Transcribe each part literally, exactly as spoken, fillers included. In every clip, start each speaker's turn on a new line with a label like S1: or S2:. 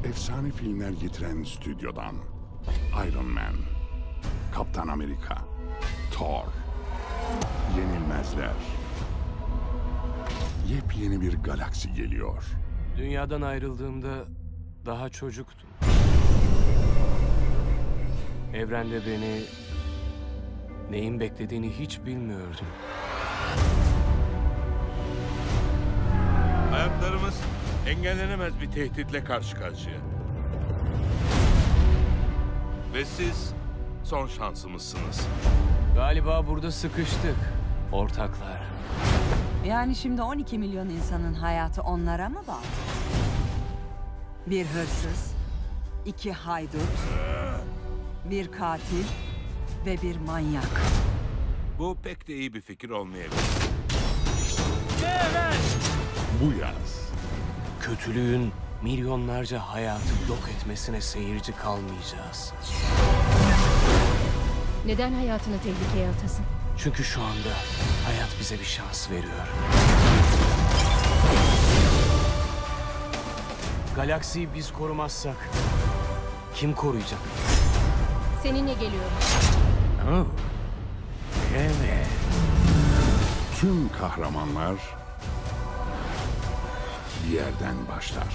S1: efsane filmler getiren stüdyodan Iron Man, Kaptan Amerika, Thor, Yenilmezler. Yepyeni bir galaksi geliyor.
S2: Dünyadan ayrıldığımda daha çocuktum. Evrende beni neyin beklediğini hiç bilmiyordum.
S3: Hayatlarımız engellenemez bir tehditle karşı karşıya. Ve siz son şansımızsınız.
S2: Galiba burada sıkıştık, ortaklar.
S4: Yani şimdi on iki milyon insanın hayatı onlara mı bağlı? Bir hırsız, iki haydut, bir katil ve bir manyak.
S3: Bu pek de iyi bir fikir olmayabilir.
S1: Bu yaz
S2: Kötülüğün milyonlarca hayatı yok etmesine seyirci kalmayacağız.
S5: Neden hayatını tehlikeye atasın?
S2: Çünkü şu anda hayat bize bir şans veriyor. Galaksiyi biz korumazsak kim koruyacak?
S5: Seninle geliyorum.
S2: Oh. Evet.
S1: tüm kahramanlar bir yerden başlar.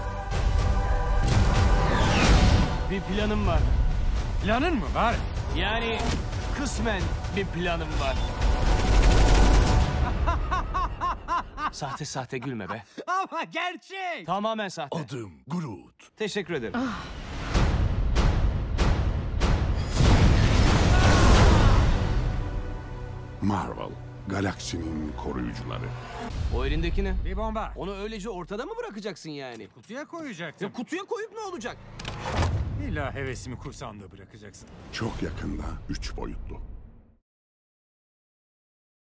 S2: Bir planım var.
S6: Planın mı var?
S2: Yani kısmen bir planım var. Sahte sahte gülme be.
S6: Ama gerçek.
S2: Tamamen sahte.
S1: Adım Groot.
S2: Teşekkür ederim.
S1: Marvel, galaksinin koruyucuları.
S2: O elindeki ne?
S6: Bir bomba.
S2: Onu öylece ortada mı bırakacaksın yani?
S6: Kutuya koyacaktım.
S2: Ya kutuya koyup ne olacak?
S6: İlla hevesimi kursağımda bırakacaksın.
S1: Çok yakında üç boyutlu.